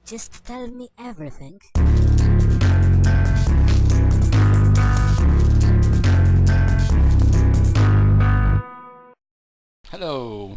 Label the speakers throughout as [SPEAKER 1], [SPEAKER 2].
[SPEAKER 1] Just tell me everything.
[SPEAKER 2] Hello!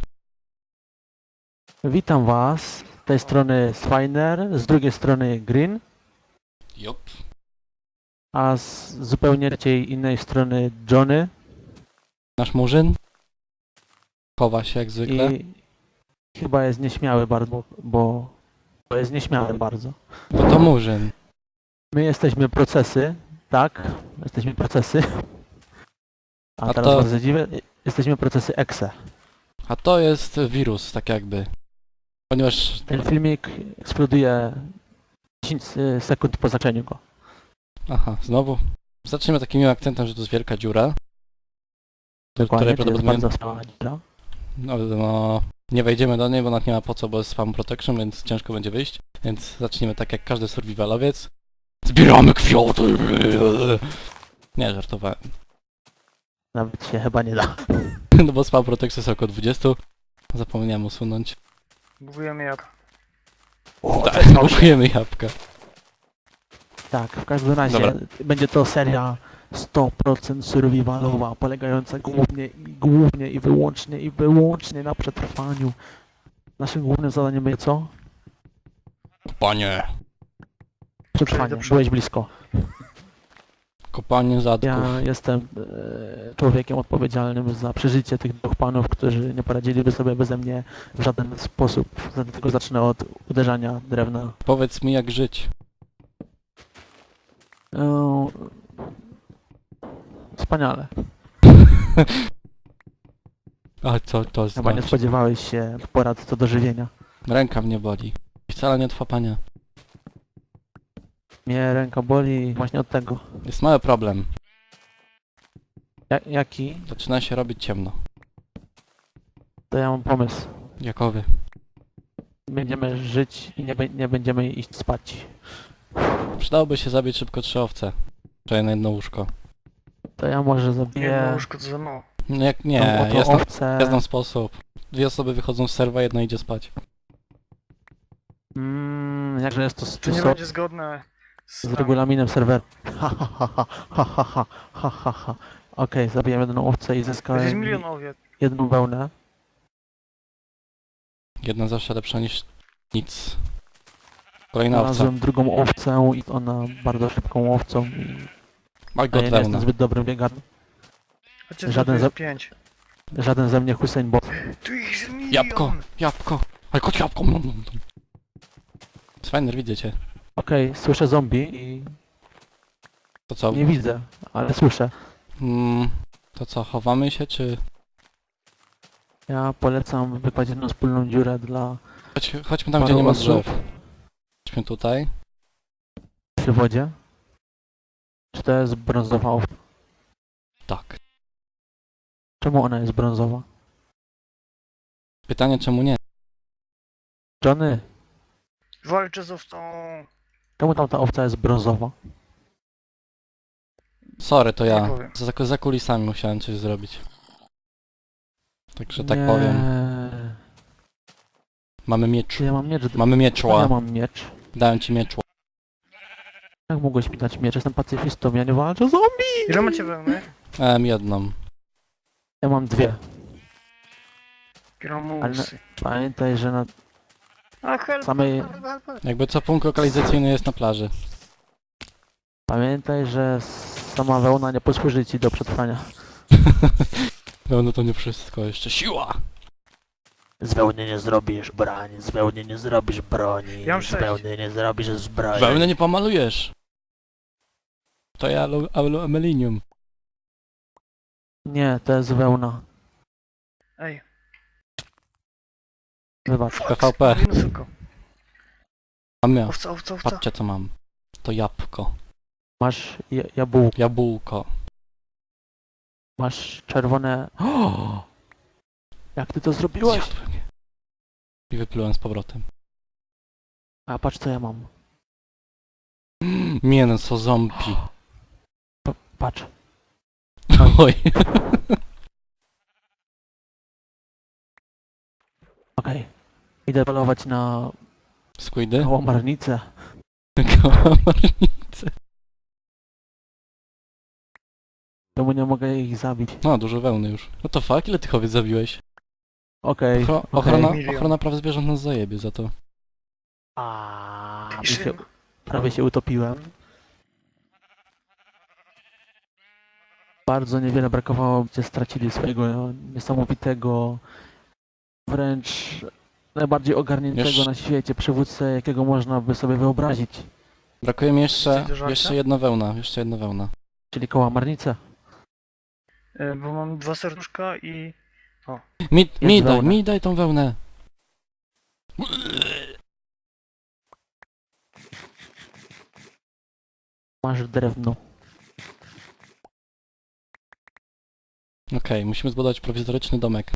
[SPEAKER 3] Witam Was, z tej strony Swiner, z drugiej strony Green,
[SPEAKER 2] Jop.
[SPEAKER 3] a z zupełnie trzeciej innej strony Johnny
[SPEAKER 2] Nasz murzyn? Chowa się jak zwykle.
[SPEAKER 3] i chyba jest nieśmiały bardzo, bo jest nieśmiały bardzo.
[SPEAKER 2] Bo to murzyn.
[SPEAKER 3] My jesteśmy procesy, tak? Jesteśmy procesy. A
[SPEAKER 2] A
[SPEAKER 3] teraz
[SPEAKER 2] to-
[SPEAKER 3] was zadziwię, jesteśmy procesy EXE.
[SPEAKER 2] A to jest wirus, tak jakby. Ponieważ...
[SPEAKER 3] Ten filmik eksploduje 10 sekund po zaczęciu go.
[SPEAKER 2] Aha, znowu. Zacznijmy takim miłym akcentem, że to jest wielka dziura. Do
[SPEAKER 3] Dokładnie,
[SPEAKER 2] której
[SPEAKER 3] to jest
[SPEAKER 2] prawdopodobnie...
[SPEAKER 3] bardzo wspaniała dziura.
[SPEAKER 2] No, nie wejdziemy do niej, bo nawet nie ma po co, bo jest spam protection, więc ciężko będzie wyjść. Więc zacznijmy tak jak każdy survivalowiec. Zbieramy kwiaty! Nie, żartowałem.
[SPEAKER 3] Nawet się chyba nie da.
[SPEAKER 2] No bo spam protection jest około 20. Zapomniałem usunąć.
[SPEAKER 4] Budujemy jak.
[SPEAKER 2] Tak, naukujemy jabłka.
[SPEAKER 3] Tak, w każdym razie
[SPEAKER 2] Dobra.
[SPEAKER 3] będzie to seria 100% survivalowa, polegająca głównie i wyłącznie na przetrwaniu. Naszym głównym zadaniem będzie co?
[SPEAKER 2] Panie.
[SPEAKER 3] Przetrwanie.
[SPEAKER 4] Przejdę przed-
[SPEAKER 3] Byłeś blisko.
[SPEAKER 2] Kopanie zadków.
[SPEAKER 3] Ja jestem człowiekiem odpowiedzialnym za przeżycie tych dwóch panów, którzy nie poradziliby sobie beze mnie w żaden sposób. Dlatego zacznę od uderzania drewna.
[SPEAKER 2] Powiedz mi jak żyć.
[SPEAKER 3] E, Wspaniale.
[SPEAKER 2] A co to
[SPEAKER 3] Chyba nie
[SPEAKER 2] znaczy?
[SPEAKER 3] spodziewałeś się porad co do żywienia.
[SPEAKER 2] Ręka mnie boli. Wcale nie trwa pania.
[SPEAKER 3] Mnie ręka boli właśnie od tego.
[SPEAKER 2] Jest mały problem.
[SPEAKER 3] Jaki?
[SPEAKER 2] Zaczyna się robić ciemno.
[SPEAKER 3] To ja mam pomysł.
[SPEAKER 2] Jakowy.
[SPEAKER 3] Będziemy żyć i nie będziemy iść spać.
[SPEAKER 2] Przydałoby się zabić szybko 3 owce. Czy na jedno łóżko.
[SPEAKER 3] To ja może
[SPEAKER 4] Jedno
[SPEAKER 3] zabiję
[SPEAKER 4] łóżko to za mało.
[SPEAKER 2] No jak
[SPEAKER 3] tą
[SPEAKER 2] nie,
[SPEAKER 3] oto
[SPEAKER 2] jest na,
[SPEAKER 3] owcę.
[SPEAKER 2] jest na sposób. 2 osoby wychodzą z serwa, jedna idzie spać.
[SPEAKER 3] Jakże jest to
[SPEAKER 4] To nie będzie zgodne z
[SPEAKER 3] z regulaminem serweru. Ha ha ha ha ha ha ha ha ha ha. Okej, zabiłem jedną owcę i
[SPEAKER 4] To jest
[SPEAKER 3] zyskałem
[SPEAKER 4] milion owiec.
[SPEAKER 3] jedną wełnę.
[SPEAKER 2] Jedna zawsze lepsza niż nic. Kolejna owca.
[SPEAKER 3] Znalazłem drugą owcę i ona bardzo szybką owcą i
[SPEAKER 2] Maj
[SPEAKER 3] a
[SPEAKER 2] go
[SPEAKER 3] ja nie jestem
[SPEAKER 2] wełna.
[SPEAKER 3] zbyt dobrym biegaczem.
[SPEAKER 4] Chociaż
[SPEAKER 3] Żaden
[SPEAKER 4] żaden
[SPEAKER 3] za-
[SPEAKER 4] 5.
[SPEAKER 3] Żaden ze mnie Hussein Bolt.
[SPEAKER 4] Tu ich jest milion!
[SPEAKER 2] Jabłko! Jabłko! Ale kot jabłko! Swiner, widzę cię.
[SPEAKER 3] Okej, słyszę zombie i
[SPEAKER 2] To co?
[SPEAKER 3] nie widzę, ale słyszę.
[SPEAKER 2] To co, chowamy się czy...
[SPEAKER 3] Ja polecam wykładać jedną wspólną dziurę dla
[SPEAKER 2] Chodźmy tam, gdzie nie ma
[SPEAKER 3] paru osób
[SPEAKER 2] drzew. Chodźmy tutaj.
[SPEAKER 3] przy wodzie. Czy to jest brązowa owca?
[SPEAKER 2] Tak.
[SPEAKER 3] Czemu ona jest brązowa?
[SPEAKER 2] Pytanie czemu nie?
[SPEAKER 3] Johnny,
[SPEAKER 4] Walczę z owcą!
[SPEAKER 3] czemu tamta owca jest brązowa?
[SPEAKER 2] Sorry, to
[SPEAKER 4] Nie
[SPEAKER 2] ja.
[SPEAKER 4] powiem.
[SPEAKER 2] Za kulisami musiałem coś zrobić. Także tak
[SPEAKER 3] Nie.
[SPEAKER 2] powiem. Mamy miecz.
[SPEAKER 3] Czy ja mam miecz?
[SPEAKER 2] Mamy
[SPEAKER 3] Ja
[SPEAKER 2] mieczła.
[SPEAKER 3] mam miecz.
[SPEAKER 2] Dałem ci mieczło.
[SPEAKER 3] Jak mogłeś mi dać miecz? Jestem pacyfistą, ja nie walczę z zombie!
[SPEAKER 4] Ile macie wełny?
[SPEAKER 2] Jedną.
[SPEAKER 3] Ja mam dwie.
[SPEAKER 4] Gramusy.
[SPEAKER 3] Pamiętaj, że na
[SPEAKER 4] A help,
[SPEAKER 3] samej...
[SPEAKER 2] Jakby co punkt lokalizacyjny jest na plaży.
[SPEAKER 3] Pamiętaj, że sama wełna nie posłuży ci do przetrwania.
[SPEAKER 2] No to nie wszystko, jeszcze siła!
[SPEAKER 3] Z wełny nie zrobisz broni, z wełny nie zrobisz broni,
[SPEAKER 4] Ja mam
[SPEAKER 3] z
[SPEAKER 4] 6.
[SPEAKER 3] wełny nie zrobisz zbroi.
[SPEAKER 2] Wełnę nie pomalujesz! To ja aluminum.
[SPEAKER 3] Nie, to jest wełna.
[SPEAKER 4] Ej,
[SPEAKER 3] Wybacz.
[SPEAKER 2] PvP.
[SPEAKER 4] minusuko.
[SPEAKER 2] Mam ja.
[SPEAKER 4] Owca, owca, owca.
[SPEAKER 2] Patrzcie co mam. To jabłko.
[SPEAKER 3] Masz jabłko,
[SPEAKER 2] Jabłko.
[SPEAKER 3] masz czerwone... O! Jak ty to zrobiłeś?
[SPEAKER 2] Zjadłem je. I wyplułem z powrotem.
[SPEAKER 3] A patrz co ja mam.
[SPEAKER 2] Mięso zombie.
[SPEAKER 3] Patrz.
[SPEAKER 2] Oj.
[SPEAKER 3] Okej. Idę polować na
[SPEAKER 2] Squidy?
[SPEAKER 3] Kałamarnice.
[SPEAKER 2] Kałamarnice.
[SPEAKER 3] Czemu nie mogę ich zabić?
[SPEAKER 2] No, dużo wełny już. No to fuck, ile tych owiec zabiłeś?
[SPEAKER 3] Okej.
[SPEAKER 2] Ochrona,
[SPEAKER 4] Milion.
[SPEAKER 2] ochrona praw zwierząt nas zajebie za to.
[SPEAKER 3] Prawie się utopiłem. Bardzo niewiele brakowało, gdzie stracili swojego niesamowitego, wręcz najbardziej ogarniętego
[SPEAKER 2] Jeszcze-
[SPEAKER 3] na świecie przywódcę, jakiego można by sobie wyobrazić.
[SPEAKER 2] Brakuje mi
[SPEAKER 4] Coś do żarcia?
[SPEAKER 2] jeszcze jedna wełna, jeszcze jedna wełna.
[SPEAKER 3] Czyli kałamarnicę.
[SPEAKER 4] Bo mam 2 serduszka i...
[SPEAKER 3] wełna.
[SPEAKER 2] Mi daj tą wełnę.
[SPEAKER 3] Masz drewno.
[SPEAKER 2] Okej, musimy zbudować prowizoryczny domek.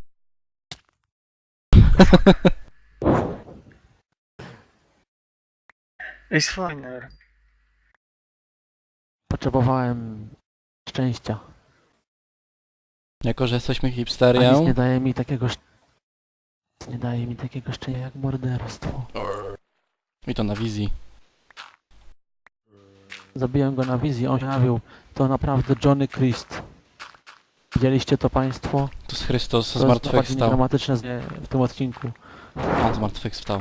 [SPEAKER 4] Ej, fajne.
[SPEAKER 3] Potrzebowałem szczęścia.
[SPEAKER 2] Jako, że jesteśmy
[SPEAKER 3] A nic
[SPEAKER 2] hipsterią.
[SPEAKER 3] nie daje mi takiego nie daje mi takiego szczęścia jak morderstwo.
[SPEAKER 2] I to na wizji.
[SPEAKER 3] Zabiłem go na wizji, on się jawił. To naprawdę Johnny Christ. Widzieliście to państwo?
[SPEAKER 2] To jest Chrystus
[SPEAKER 3] To jest najbardziej
[SPEAKER 2] zmartwychwstał.
[SPEAKER 3] dramatyczne w tym odcinku.
[SPEAKER 2] On zmartwychwstał.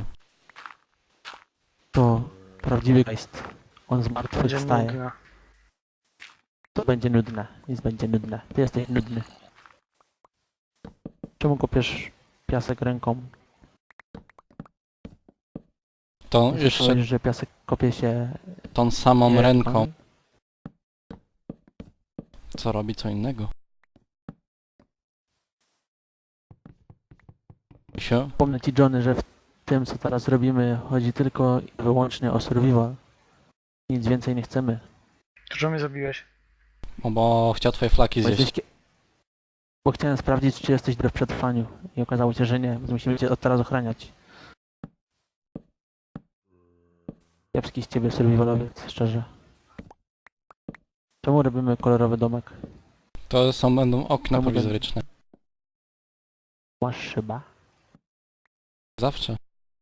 [SPEAKER 3] To prawdziwy Christ. On
[SPEAKER 4] Będzie
[SPEAKER 3] zmartwychwstaje.
[SPEAKER 4] nudne.
[SPEAKER 3] To będzie nudne. Nic będzie nudne. Ty jesteś nudny. Czemu kopiesz piasek ręką?
[SPEAKER 2] To
[SPEAKER 3] Chcesz
[SPEAKER 2] jeszcze
[SPEAKER 3] powiedzieć, że piasek kopie się
[SPEAKER 2] tą samą
[SPEAKER 3] nie
[SPEAKER 2] ręką. Co robi co innego? Się?
[SPEAKER 3] Wspomnę ci, Johnny, że w tym, co teraz robimy, chodzi tylko i wyłącznie o survival. Nic więcej nie chcemy.
[SPEAKER 4] To czemu mnie zabiłeś?
[SPEAKER 2] Bo chciał twoje flaki
[SPEAKER 3] Bo,
[SPEAKER 2] zjeść.
[SPEAKER 3] bo chciałem sprawdzić, czy jesteś w przetrwaniu. I okazało się, że nie, więc musimy cię od teraz ochraniać. Kiepski z ciebie survivalowiec, szczerze. Czemu robimy kolorowy domek?
[SPEAKER 2] To będą okna
[SPEAKER 3] Czemu ten-
[SPEAKER 2] prowizoryczne.
[SPEAKER 3] Masz szyba?
[SPEAKER 2] Zawsze.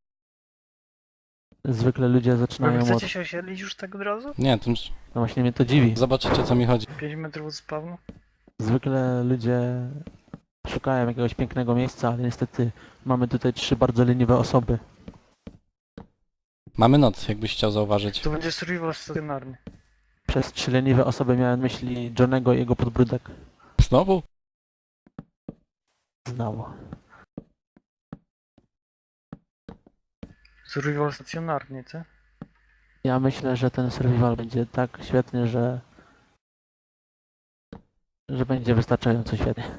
[SPEAKER 3] Zwykle ludzie
[SPEAKER 4] Wy
[SPEAKER 3] zaczynają od...
[SPEAKER 4] chcecie się osiedlić już tak od razu?
[SPEAKER 2] Nie, to już
[SPEAKER 3] No właśnie mnie to dziwi.
[SPEAKER 2] zobaczycie co mi chodzi.
[SPEAKER 4] 5 metrów od spawnu?
[SPEAKER 3] Zwykle ludzie szukają jakiegoś pięknego miejsca, ale niestety mamy tutaj 3 bardzo leniwe osoby.
[SPEAKER 2] Mamy noc, jakbyś chciał zauważyć.
[SPEAKER 4] To będzie survival stacjonarny.
[SPEAKER 3] Przez 3 leniwe osoby miałem na myśli Johnego i jego podbródek.
[SPEAKER 2] Znowu?
[SPEAKER 3] Znowu.
[SPEAKER 4] Survival stacjonarny, co?
[SPEAKER 3] Ja myślę, że ten survival będzie tak świetny, że będzie wystarczająco świetny.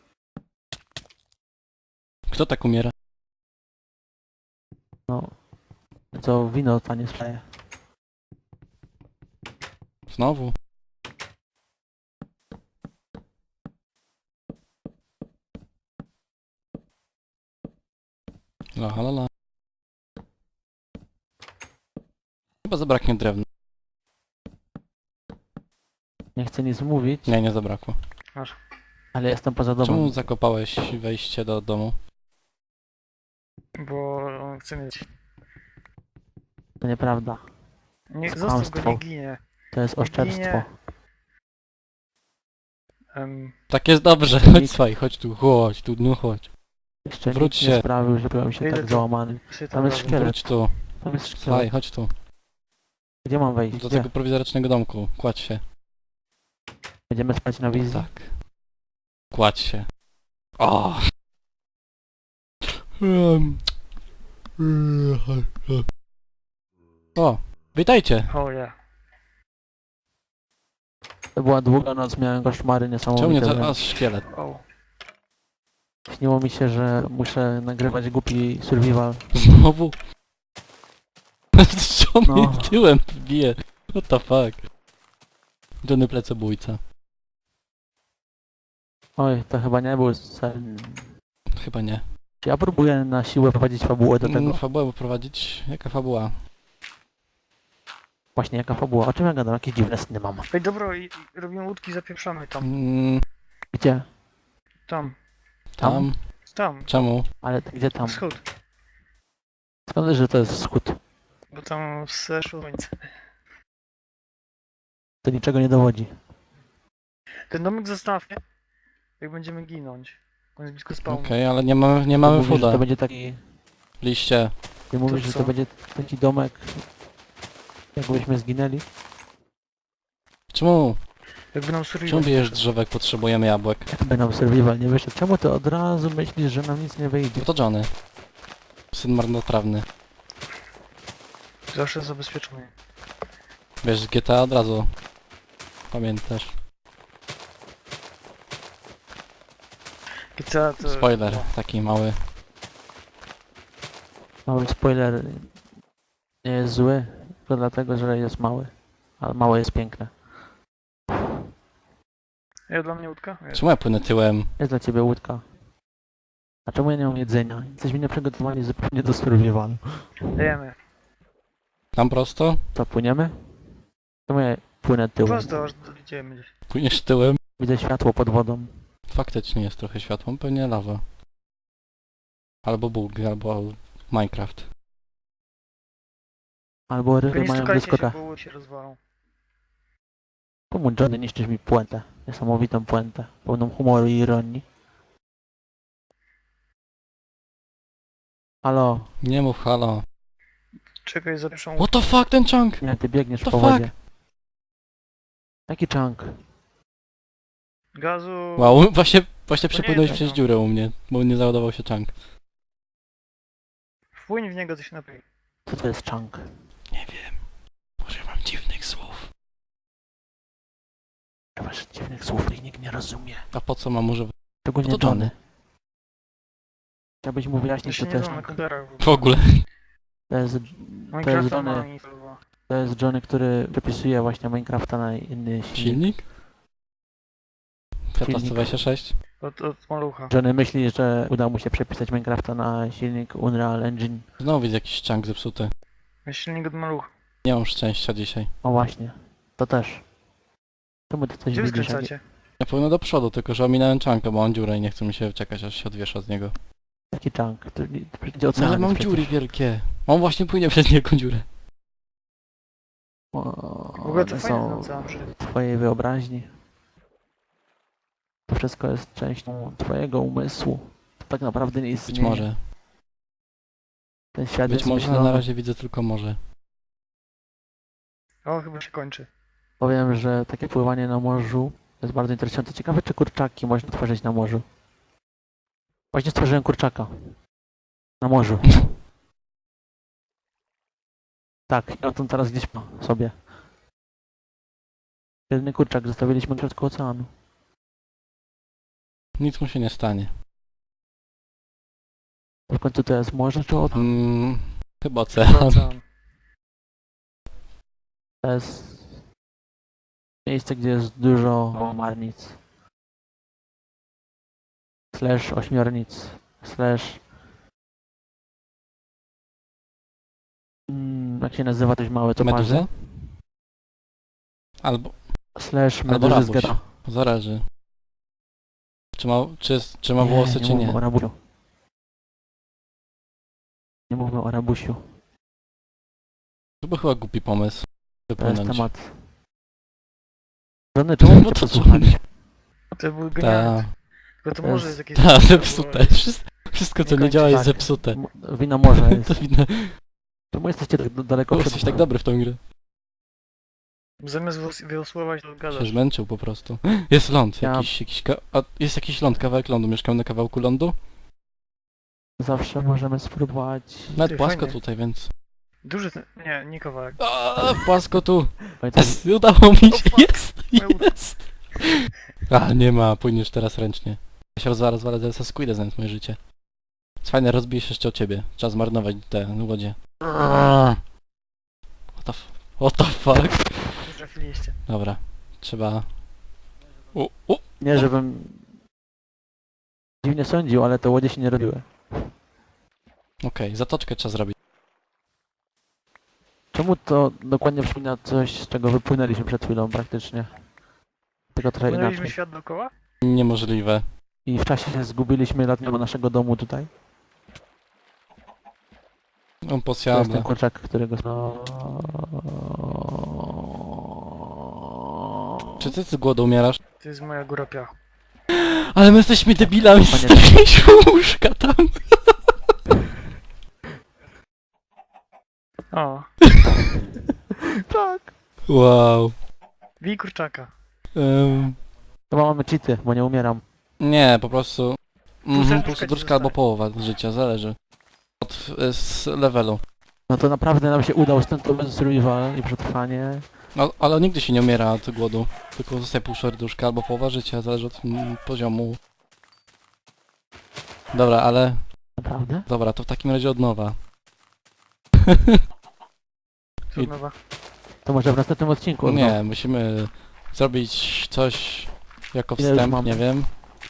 [SPEAKER 2] Kto tak umiera?
[SPEAKER 3] No, co wino tanie sprzeje.
[SPEAKER 2] Znowu? La la la. Chyba zabraknie drewna.
[SPEAKER 3] Nie chcę nic mówić,
[SPEAKER 2] Nie, nie zabrakło.
[SPEAKER 3] ale jestem poza domem.
[SPEAKER 2] Czemu zakopałeś wejście do domu?
[SPEAKER 4] Bo on chce mieć...
[SPEAKER 3] To nieprawda.
[SPEAKER 4] Nie,
[SPEAKER 3] To
[SPEAKER 4] zostaw go,
[SPEAKER 3] kłamstwo.
[SPEAKER 4] nie ginie.
[SPEAKER 3] To jest oszczerstwo.
[SPEAKER 2] Tak jest dobrze,
[SPEAKER 3] Nikt-
[SPEAKER 2] chodź słuchaj, chodź tu, no chodź.
[SPEAKER 3] Jeszcze
[SPEAKER 2] Wróć
[SPEAKER 3] nikt nie
[SPEAKER 2] się.
[SPEAKER 3] sprawił, że byłem się
[SPEAKER 4] Idę
[SPEAKER 3] tak
[SPEAKER 4] tu.
[SPEAKER 3] załamany.
[SPEAKER 4] Się
[SPEAKER 3] Tam jest
[SPEAKER 4] razem.
[SPEAKER 3] szkielet.
[SPEAKER 2] Wróć tu,
[SPEAKER 3] Tam jest
[SPEAKER 2] słuchaj,
[SPEAKER 3] szkielet.
[SPEAKER 2] chodź tu.
[SPEAKER 3] Gdzie mam wejść?
[SPEAKER 2] Do
[SPEAKER 3] Gdzie?
[SPEAKER 2] tego prowizorycznego domku, kładź się.
[SPEAKER 3] Będziemy spać na wizji?
[SPEAKER 2] Tak. Kładź się. O! O, witajcie.
[SPEAKER 4] O ja.
[SPEAKER 3] To była długa noc, miałem koszmary
[SPEAKER 2] Czemu nie
[SPEAKER 3] niesamowite.
[SPEAKER 2] to?
[SPEAKER 3] wręcz.
[SPEAKER 2] A, szkielet.
[SPEAKER 4] O.
[SPEAKER 3] Śniło mi się, że muszę nagrywać głupi survival.
[SPEAKER 2] Znowu? Co
[SPEAKER 3] No.
[SPEAKER 2] mnie tyłem bije? What the fuck? Johnny plecobójca.
[SPEAKER 3] Oj, to chyba nie był sen.
[SPEAKER 2] Chyba nie.
[SPEAKER 3] Czy ja próbuję na siłę prowadzić fabułę do tego?
[SPEAKER 2] Fabułę poprowadzić? Jaka fabuła?
[SPEAKER 3] Właśnie, jaka fabuła? O czym ja gadam? Jakieś dziwne sny mam.
[SPEAKER 4] Ej, dobra, i robimy łódki, zapieprzamy tam.
[SPEAKER 3] Gdzie?
[SPEAKER 4] Tam.
[SPEAKER 2] Tam?
[SPEAKER 4] Tam.
[SPEAKER 2] Czemu?
[SPEAKER 3] Ale gdzie tam?
[SPEAKER 4] Wschód.
[SPEAKER 3] Skąd, że to jest wschód?
[SPEAKER 4] Bo tam zeszło słońce.
[SPEAKER 3] To niczego nie dowodzi.
[SPEAKER 4] Ten domek zostawmy, jak będziemy ginąć. On jest blisko spawnu.
[SPEAKER 2] Okej, ale nie
[SPEAKER 3] Ty
[SPEAKER 2] mamy
[SPEAKER 3] mówisz, że
[SPEAKER 2] fooda.
[SPEAKER 3] to będzie taki...
[SPEAKER 2] Liście.
[SPEAKER 3] Ty mówisz, że
[SPEAKER 4] co?
[SPEAKER 3] to będzie taki domek... Jakbyśmy zginęli?
[SPEAKER 2] Czemu?
[SPEAKER 4] Jakby nam
[SPEAKER 2] Czemu
[SPEAKER 4] survival
[SPEAKER 2] bijesz
[SPEAKER 4] poszedł.
[SPEAKER 2] drzewek? Potrzebujemy jabłek.
[SPEAKER 3] Jakby nam survival nie wyszedł. Czemu ty od razu myślisz, że nam nic nie wyjdzie?
[SPEAKER 2] No to Johnny. Syn marnotrawny.
[SPEAKER 4] Zawsze zabezpieczony.
[SPEAKER 2] Wiesz, z GTA od razu. Pamiętasz.
[SPEAKER 4] GTA to...
[SPEAKER 2] Spoiler, taki mały.
[SPEAKER 3] Mały spoiler nie jest zły, tylko dlatego, że jest mały. Ale małe jest piękne.
[SPEAKER 4] Ja dla mnie łódka? Jest.
[SPEAKER 2] Czemu ja płynę tyłem?
[SPEAKER 3] Jest dla ciebie łódka. A czemu ja nie mam jedzenia? Jesteśmy nieprzygotowani zupełnie do survivalu.
[SPEAKER 4] Dajemy.
[SPEAKER 2] Tam prosto?
[SPEAKER 3] To płyniemy? Czemu ja płynę tyłem?
[SPEAKER 4] Prosto, aż dojdziemy gdzieś.
[SPEAKER 2] Płyniesz tyłem?
[SPEAKER 3] Widzę światło pod wodą.
[SPEAKER 2] Faktycznie jest trochę światło, pewnie lawa. Albo Bóg, albo Minecraft.
[SPEAKER 3] Albo
[SPEAKER 4] Tylko
[SPEAKER 3] ryby
[SPEAKER 4] nie
[SPEAKER 3] mają
[SPEAKER 4] stukajcie się,
[SPEAKER 3] błyskotę.
[SPEAKER 4] bo łódź się rozwalą.
[SPEAKER 3] Pomóż Johnny, niszczysz mi puentę. Niesamowitą puentę. Pełną humoru i ironii. Halo,
[SPEAKER 2] Nie mów halo.
[SPEAKER 4] Czekaj za pierwszą
[SPEAKER 2] What the fuck, ten chunk?
[SPEAKER 3] nie, ty biegniesz
[SPEAKER 2] The
[SPEAKER 3] po
[SPEAKER 2] fuck?
[SPEAKER 3] wodzie. Jaki chunk?
[SPEAKER 4] gazu.
[SPEAKER 2] Wow, właśnie
[SPEAKER 4] nie
[SPEAKER 2] przepłynąłeś
[SPEAKER 4] jest
[SPEAKER 2] przez
[SPEAKER 4] tak,
[SPEAKER 2] dziurę u mnie, bo nie załadował się chunk.
[SPEAKER 4] Wpłyń w niego, to się napij.
[SPEAKER 3] Co to jest chunk?
[SPEAKER 2] Nie wiem. Używam dziwnych słów.
[SPEAKER 3] Masz dziwnych słów, których nikt nie rozumie.
[SPEAKER 2] A po co mam używać?
[SPEAKER 3] Szczególnie
[SPEAKER 2] No to
[SPEAKER 3] Johnny.
[SPEAKER 2] Johnny.
[SPEAKER 3] Chciałbyś mu
[SPEAKER 4] To
[SPEAKER 3] wyjaśnić,
[SPEAKER 4] się
[SPEAKER 3] co
[SPEAKER 4] nie
[SPEAKER 3] to jest
[SPEAKER 4] da na
[SPEAKER 3] chunk?
[SPEAKER 4] komputerach.
[SPEAKER 2] W ogóle.
[SPEAKER 3] To jest
[SPEAKER 4] Minecrafta
[SPEAKER 3] Johnny.
[SPEAKER 4] ma instalowa.
[SPEAKER 3] To jest Johnny, który przepisuje właśnie Minecrafta na inny silnik.
[SPEAKER 2] Silnik? Fiata
[SPEAKER 3] Silnik.
[SPEAKER 2] 126?
[SPEAKER 4] Od malucha.
[SPEAKER 3] Johnny myśli, że uda mu się przepisać Minecrafta na silnik Unreal Engine.
[SPEAKER 2] Znowu widzę jakiś chunk zepsuty.
[SPEAKER 4] Jest silnik od malucha.
[SPEAKER 2] Nie mam szczęścia dzisiaj.
[SPEAKER 3] O właśnie, to też. Czemu ty coś
[SPEAKER 4] Gdzie wy
[SPEAKER 3] widzisz?
[SPEAKER 4] skręcacie?
[SPEAKER 2] Ja płynę do przodu, tylko że ominąłem chunka, bo mam dziurę i nie chce mi się czekać, aż się odwiesza z niego.
[SPEAKER 3] Jaki chunk? To będzie
[SPEAKER 2] No
[SPEAKER 3] ocean.
[SPEAKER 2] ale mam dziury wielkie. On właśnie płynie przez niego dziurę.
[SPEAKER 4] W ogóle to
[SPEAKER 3] One
[SPEAKER 4] fajne
[SPEAKER 3] są
[SPEAKER 4] ocean przy...
[SPEAKER 3] w twojej wyobraźni. To wszystko jest częścią twojego umysłu. To tak naprawdę nie
[SPEAKER 2] Być
[SPEAKER 3] istnieje.
[SPEAKER 2] może.
[SPEAKER 3] Ten świat
[SPEAKER 2] Być
[SPEAKER 3] jest
[SPEAKER 2] może, ale
[SPEAKER 3] myślony.
[SPEAKER 2] na razie widzę tylko morze.
[SPEAKER 4] O, chyba się kończy.
[SPEAKER 3] Powiem, że takie pływanie na morzu jest bardzo interesujące. Ciekawe, czy kurczaki można tworzyć na morzu. Właśnie stworzyłem kurczaka. Na morzu. Tak, i on tam teraz gdzieś ma sobie. Jedyny kurczak zostawiliśmy na środku oceanu.
[SPEAKER 2] Nic mu się nie stanie.
[SPEAKER 3] W końcu to jest morze czy ocean?
[SPEAKER 2] Chyba ocean.
[SPEAKER 4] Ocean.
[SPEAKER 3] To jest miejsce, gdzie jest dużo łamarnic. Slash ośmiornic. Slash... jak się nazywa coś małe, to
[SPEAKER 2] Meduza?
[SPEAKER 3] marzy?
[SPEAKER 2] Albo,
[SPEAKER 3] Slash
[SPEAKER 2] albo
[SPEAKER 3] meduzy z
[SPEAKER 2] rabuś.
[SPEAKER 3] geta.
[SPEAKER 2] Zależy. Czy ma włosy, czy
[SPEAKER 3] mówmy
[SPEAKER 2] nie.
[SPEAKER 3] o rabusiu. Nie mówmy o rabusiu.
[SPEAKER 2] To był chyba głupi pomysł.
[SPEAKER 3] To jest
[SPEAKER 2] Wypłynąć.
[SPEAKER 3] temat... Żony, czemu
[SPEAKER 2] No
[SPEAKER 3] mnie
[SPEAKER 2] to
[SPEAKER 3] posłuchać?
[SPEAKER 4] To był genialny.
[SPEAKER 2] Ta,
[SPEAKER 4] Tylko to
[SPEAKER 3] to
[SPEAKER 4] może
[SPEAKER 3] jest-
[SPEAKER 4] jest jakieś...
[SPEAKER 2] ta, zepsute. Wszystko co
[SPEAKER 4] Nie
[SPEAKER 2] nie działa
[SPEAKER 4] kończy
[SPEAKER 2] jest
[SPEAKER 3] tak.
[SPEAKER 2] zepsute.
[SPEAKER 3] Wina morza
[SPEAKER 2] To
[SPEAKER 3] jest.
[SPEAKER 2] widać.
[SPEAKER 3] Czemu jesteście tak daleko przed...
[SPEAKER 2] Jesteś tak dobry w tą grę.
[SPEAKER 4] Zamiast wyosłować, to
[SPEAKER 2] Się
[SPEAKER 4] gadasz.
[SPEAKER 2] zmęczył po prostu. Jest ląd,
[SPEAKER 3] Ja-
[SPEAKER 2] jest jakiś ląd, kawałek lądu. Mieszkam na kawałku lądu.
[SPEAKER 3] Zawsze możemy spróbować...
[SPEAKER 2] Nawet
[SPEAKER 4] Ty,
[SPEAKER 2] płasko
[SPEAKER 4] fajny.
[SPEAKER 2] tutaj, więc...
[SPEAKER 4] Duży ten... Nie kawałek.
[SPEAKER 2] Płasko tu.
[SPEAKER 3] Pamiętam,
[SPEAKER 2] Jest, udało mi
[SPEAKER 4] O,
[SPEAKER 2] się.
[SPEAKER 4] fuck.
[SPEAKER 2] Jest. A, nie ma, płyniesz teraz ręcznie. Ja się rozwalę, zaraz Squida znając moje życie. Jest fajne, rozbijesz jeszcze o ciebie. Trzeba zmarnować te łodzie. What the fuck?
[SPEAKER 4] Nie trafiliście.
[SPEAKER 2] Dobra, trzeba...
[SPEAKER 3] nie żebym... dziwnie sądził, ale te łodzie się nie robiły.
[SPEAKER 2] Okej, zatoczkę trzeba zrobić.
[SPEAKER 3] Czemu to dokładnie przypomina coś, z czego wypłynęliśmy przed chwilą praktycznie? Tylko trochę
[SPEAKER 4] Płynęliśmy
[SPEAKER 3] inaczej.
[SPEAKER 4] świat dookoła?
[SPEAKER 2] Niemożliwe.
[SPEAKER 3] I w czasie się zgubiliśmy letniego naszego domu tutaj.
[SPEAKER 2] On
[SPEAKER 3] To jest
[SPEAKER 2] posjada.
[SPEAKER 3] ten kurczak, którego...
[SPEAKER 2] Czy ty z głodu umierasz?
[SPEAKER 4] To jest moja góra piachu.
[SPEAKER 2] Ale my jesteśmy debilami,
[SPEAKER 3] Panie-
[SPEAKER 2] zostawiliśmy łóżka tam.
[SPEAKER 4] O,
[SPEAKER 3] Tak.
[SPEAKER 2] Wow.
[SPEAKER 4] bij kurczaka.
[SPEAKER 3] Chyba mamy cheaty, bo nie umieram.
[SPEAKER 2] Nie, po prostu...
[SPEAKER 4] serduszka
[SPEAKER 2] Pół
[SPEAKER 4] ci
[SPEAKER 2] serduszka albo
[SPEAKER 4] zostaje.
[SPEAKER 2] połowa życia, zależy. Od z levelu.
[SPEAKER 3] No to naprawdę nam się udał stąd to bez survival i przetrwanie.
[SPEAKER 2] No, ale nigdy się nie umiera od głodu. Tylko zostaje pół serduszka albo połowa życia, zależy od poziomu. Dobra, ale...
[SPEAKER 3] Naprawdę?
[SPEAKER 2] Dobra, to w takim razie od nowa.
[SPEAKER 4] Trudnowa.
[SPEAKER 3] To może w następnym odcinku. no.
[SPEAKER 2] Nie, musimy zrobić coś jako
[SPEAKER 3] Ile już
[SPEAKER 2] wstęp,
[SPEAKER 3] mamy?
[SPEAKER 2] nie wiem.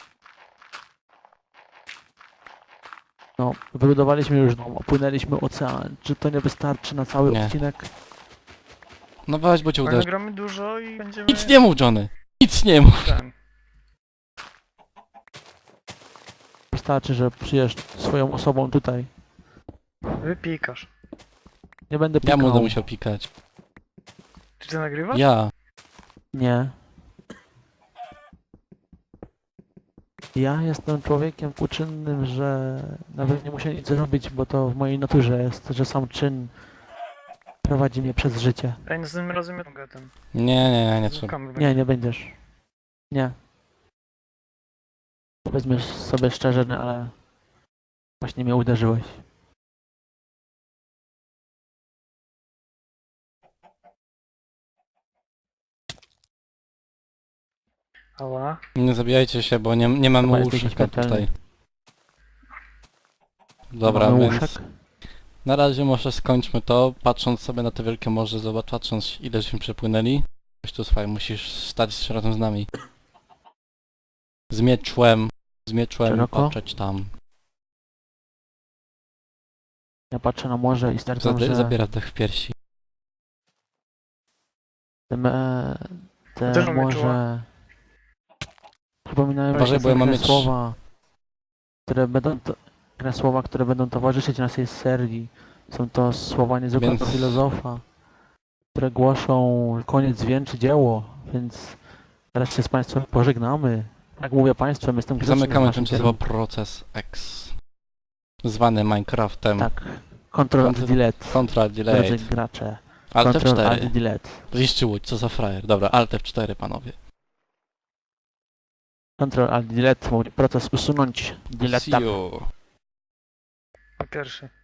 [SPEAKER 3] No, wybudowaliśmy już dom, opłynęliśmy ocean. Czy to nie wystarczy na cały
[SPEAKER 2] Nie.
[SPEAKER 3] odcinek?
[SPEAKER 2] No weź, bo cię
[SPEAKER 4] Ale
[SPEAKER 2] uderzy.
[SPEAKER 4] nagramy dużo i będziemy...
[SPEAKER 2] Nic nie mów, Johnny! Nic nie mów!
[SPEAKER 4] Ten.
[SPEAKER 3] Wystarczy, że przyjesz swoją osobą tutaj.
[SPEAKER 4] Wypikasz.
[SPEAKER 3] Nie będę
[SPEAKER 2] Ja
[SPEAKER 3] pikał.
[SPEAKER 2] będę musiał pikać.
[SPEAKER 4] Czy ty nagrywasz?
[SPEAKER 2] Ja.
[SPEAKER 3] Nie. Ja jestem człowiekiem uczynnym, że nawet nie muszę nic zrobić, bo to w mojej naturze jest, że sam czyn prowadzi mnie przez życie.
[SPEAKER 4] Ej, następnym razem ja mogę ten.
[SPEAKER 2] Nie trzeba.
[SPEAKER 4] Złukamy
[SPEAKER 3] Nie, nie będziesz. Nie. Powiedzmy sobie szczerze, no, ale właśnie mnie uderzyłeś.
[SPEAKER 4] Ała.
[SPEAKER 2] Nie zabijajcie się, bo nie mamy
[SPEAKER 3] Chyba jesteś
[SPEAKER 2] łóżka
[SPEAKER 3] nieśmiertelny.
[SPEAKER 2] tutaj. Dobra,
[SPEAKER 3] Mamy
[SPEAKER 2] więc
[SPEAKER 3] łóżek?
[SPEAKER 2] na razie może skończmy to, patrząc sobie na te wielkie morze, zobacz, patrząc ile żeśmy przepłynęli. Weź tu słuchaj, musisz stać razem z nami. Z mieczłem
[SPEAKER 3] Szeroko?
[SPEAKER 2] patrzeć tam.
[SPEAKER 3] Ja patrzę na morze i stwierdzam, że
[SPEAKER 2] Zabiera dech w piersi.
[SPEAKER 3] te
[SPEAKER 4] Też mamy
[SPEAKER 3] morze przypominają mi
[SPEAKER 2] Uważaj,
[SPEAKER 3] się
[SPEAKER 2] bo ja mam
[SPEAKER 3] pewne
[SPEAKER 2] mieć-
[SPEAKER 3] słowa, które będą towarzyszyć naszej serii. Są to słowa niezwykłego
[SPEAKER 2] Więc-
[SPEAKER 3] filozofa, które głoszą koniec wieńczy dzieło, więc teraz się z Państwem pożegnamy. Jak mówię Państwem, jestem grzeczny
[SPEAKER 2] Zamykamy
[SPEAKER 3] w naszym
[SPEAKER 2] tymczasowo
[SPEAKER 3] kierunku.
[SPEAKER 2] proces X. Zwany Minecraftem.
[SPEAKER 3] Tak. Ctrl Alt Delete.
[SPEAKER 2] Ctrl
[SPEAKER 3] Drodzy
[SPEAKER 2] Delete.
[SPEAKER 3] gracze.
[SPEAKER 2] Alt
[SPEAKER 3] Ctrl Alt
[SPEAKER 2] F4.
[SPEAKER 3] Delete.
[SPEAKER 2] Zniszczy łódź, co za frajer. Dobra, Alt F4 panowie.
[SPEAKER 3] Ctrl Alt Delete. Proces usunąć. Delete.
[SPEAKER 2] See you.
[SPEAKER 4] Po pierwszy.